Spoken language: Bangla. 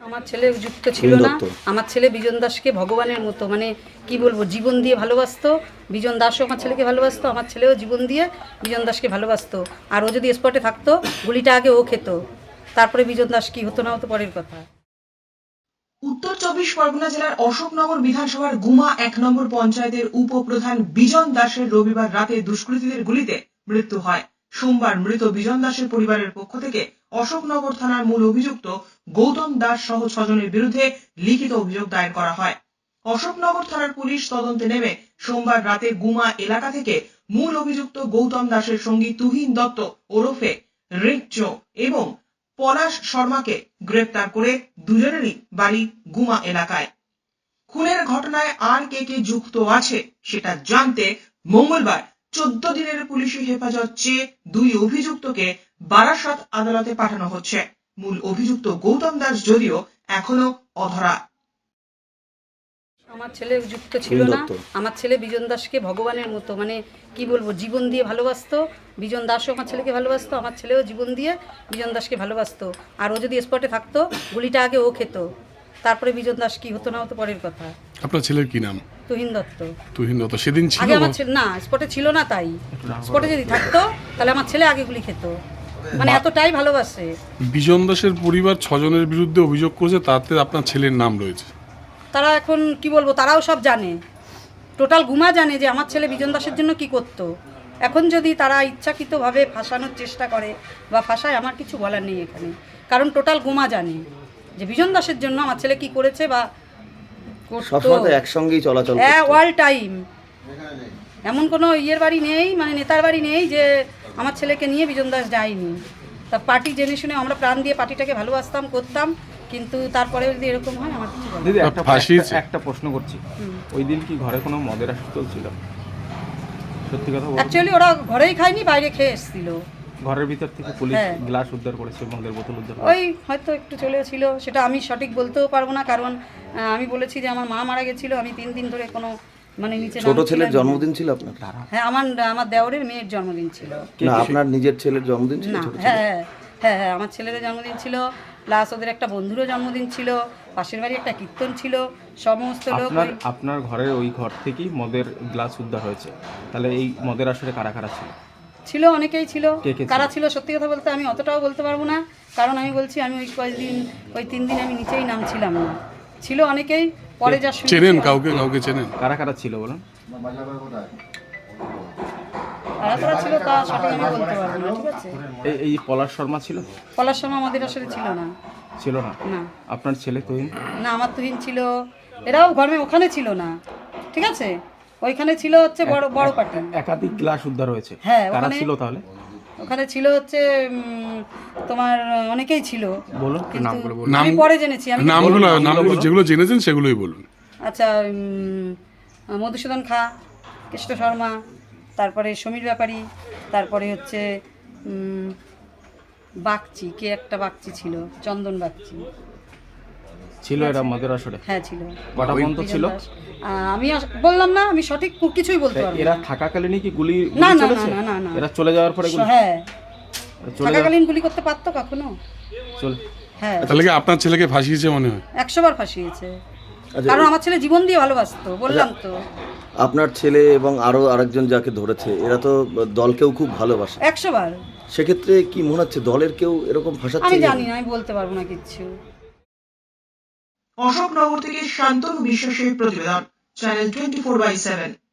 আমার ছেলে যুক্ত ছিল না। আমার ছেলে বিজন দাসকে ভগবানের মতো মানে কি বলবো জীবন দিয়ে ভালোবাসতো। বিজন দাসও আমার ছেলেকে ভালোবাসতো, আমার ছেলেও জীবন দিয়ে বিজন দাসকে ভালোবাসতো। আর ও যদি স্পটে থাকতো গুলিটা আগে ও খেত, তারপরে বিজন দাস কি হতো না হতো পরের কথা। উত্তর 24 পরগনা জেলার অশোকনগর বিধানসভার গুমা 1 নম্বর পঞ্চায়েতের উপপ্রধান বিজন দাসের রবিবার রাতে দুষ্কৃতীদের গুলিতে মৃত্যু হয়। সোমবার মৃত বিজন দাসের পরিবারের পক্ষ থেকে অশোকনগর থানার মূল অভিযুক্ত গৌতম দাস সহ 6 জনের বিরুদ্ধে লিখিত অভিযোগ দায়ের করা হয়। অশোকনগর থানার পুলিশ তদন্তে নেমে সোমবার রাতে গুমা এলাকা থেকে মূল অভিযুক্ত গৌতম দাসের সঙ্গী তুহিন দত্ত ওরফে রিকচো এবং পলাশ শর্মাকে গ্রেপ্তার করে দুজনেরই বাড়ি গুমা এলাকায়। খুনের ঘটনায় আর কে যুক্ত আছে সেটা জানতে মঙ্গলবার 14 দিনের পুলিশি হেফাজত চেয়ে 2 অভিযুক্তকে বারাসাত আদালতে পাঠানো হচ্ছে। মূল অভিযুক্ত গৌতম দাস যদিও এখনো অধরা। আমার ছেলে যুক্ত ছিল না। আমার ছেলে বিজন দাসকে ভগবানের মতো মানে কি বলবো জীবন দিয়ে ভালোবাসতো। বিজন দাসও আমার ছেলেকে ভালোবাসতো, আমার ছেলেও জীবন দিয়ে বিজন দাসকে ভালোবাসতো। আর ও যদি স্পটে থাকতো গুলিটা আগে ও খেত, তারপরে বিজন দাস কি হতো না হতো পরের কথা। আপনার ছেলের কি নাম? তুহিন দত্ত। তুহিন দত্ত সেদিন ছিল আগে আমার ছেলে না স্পটে ছিল না, তাই স্পটে যদি থাকতো তাহলে আমার ছেলে আগে গুলি খেত, মানে এতটাই ভালোবাসে। বিজন দাসের পরিবার 6 জনের বিরুদ্ধে অভিযোগ করেছে, তাতে আপনার ছেলের নাম রয়েছে। তারা এখন কি বলবো, তারাও সব জানে, টোটাল গুমা জানে যে আমার ছেলে বিজন দাসের জন্য কি করতো। এখন যদি তারা ইচ্ছাকৃতভাবে ফাঁসানোর চেষ্টা করে বা ফাঁসায়, আমার কিছু বলার নেই এখানে, কারণ টোটাল গুমা জানে যে বিজন দাসের জন্য আমার ছেলে কি করেছে বা সবসময় একসঙ্গেই চলাচল করতো। হ্যাঁ, অল টাইম। এমন কোনো ইয়ের বাড়ি নেই, মানে নেতার বাড়ি নেই যে আমার ছেলেকে নিয়ে বিজন দাস যায়নি। তা পার্টি জেনে শুনে আমরা প্রাণ দিয়ে পার্টিটাকে ভালোবাসতাম, করতাম, কিন্তু তারপরে যদি এরকম হয় আমার কিছু বলার নেই। দিদি একটা প্রশ্ন করছি, ওই দিন কি ঘরে কোনো মদের আসর চলছিল? সত্যি কথা বলুন। অ্যাকচুয়ালি ওরা ঘরেই খায়নি, বাইরে খেয়ে এসেছিল। ঘরের ভিতর থেকে পুলিশ হ্যাঁ। গ্লাস উদ্ধার করেছে, মদের বোতল উদ্ধার ওই করেছে। হয়তো একটু চলেছিল, সেটা আমি সঠিক বলতেও পারবো না, কারণ আমি বলেছি যে আমার মা মারা গেছিল, আমি 3 দিন ধরে কোনো মানে নিচে ছোট ছেলের জন্মদিন ছিল আপনার? হ্যাঁ, আমার দেওরের মেয়ের জন্মদিন ছিল। না, আপনার নিজের ছেলের জন্মদিন ছিল? না, হ্যাঁ হ্যাঁ হ্যাঁ, আমার ছেলের জন্মদিন ছিল, প্লাস ওদের একটা বন্ধুরও জন্মদিন ছিল, পাশের বাড়ি একটা কীর্তন ছিল, সমস্ত লোক। আপনার ঘরের ওই ঘর থেকেই মদের গ্লাস উদ্ধার হয়েছে, তাহলে এই মদের আসরে কারা কারা ছিল? ছিল, অনেকেই ছিল। কে কে ছিল? কারা ছিল সত্যি কথা বলতে আমি অতটাও বলতে পারবো না, কারণ আমি বলছি আমি ওই 3 দিন আমি নিচেই নামছিলাম না। ছিল অনেকেই, পরে যা শুনেছি। চেনেন কাউকে চেনেন? কারা কারা ছিল বলুন? কারা ছিল তা সঠিক আমি বলতে পারবো না, ঠিক আছে। এই পলাশ শর্মা ছিল? পলাশ শর্মা আমাদের আসলে ছিল না। ছিল না? না আপনার ছেলে তুহিন? না, আমার তুহিন ছিল, এরাও ঘরে ওখানে ছিল না, ঠিক আছে। ওইখানে ছিল হচ্ছে বড় বড় পার্টি। একাধিক গ্লাস উদ্ধার হয়েছে। হ্যাঁ, কারা ওখানে ছিল তাহলে? ওখানে ছিল হচ্ছে তোমার অনেকেই ছিল। বলুন কিন্তু নামগুলো। আমি পরে জেনেছি। আমি নামগুলো যেগুলো জেনেছেন সেগুলোই বলুন। আচ্ছা, মধুসূদন খা, কৃষ্ণ শর্মা, তারপরে সমীর ব্যাপারী, তারপরে হচ্ছে বাগচি, কে একটা বাগচি ছিল, চন্দন বাগচি ছিল এরা মদের আসরে? হ্যাঁ ছিল। কটা পর্যন্ত ছিল? আমি বললাম না, আমি সঠিক কিছুই বলতে পারবো এরা না। থাকাকালীনই কি গুলি না না চলেছে? না না না, এরা চলে যাওয়ার পরে গুলি? হ্যাঁ, চলে থাকাকালীন গুলি করতে পারতো কখনো? চলে। হ্যাঁ, তাহলে কি আপনার ছেলেকে ফাঁসিয়েছে মনে হয়? 100 বার ফাঁসিয়েছে, কারণ আমার ছেলে জীবন দিয়ে ভালোবাসতো, বললাম তো। আপনার ছেলে এবং আরো আরেকজন যাকে ধরেছে, এরা তো দলকেও খুব ভালোবাসে। 100 বার। সেক্ষেত্রে কি মনে হচ্ছে দলের কেউ এরকম ফাঁসাচ্ছে? আমি জানি না, আমি বলতে পারবো না কিচ্ছু। অশোকনগর থেকে শান্তনু বিশ্বাসের প্রতিবেদন, চ্যানেল 24/7।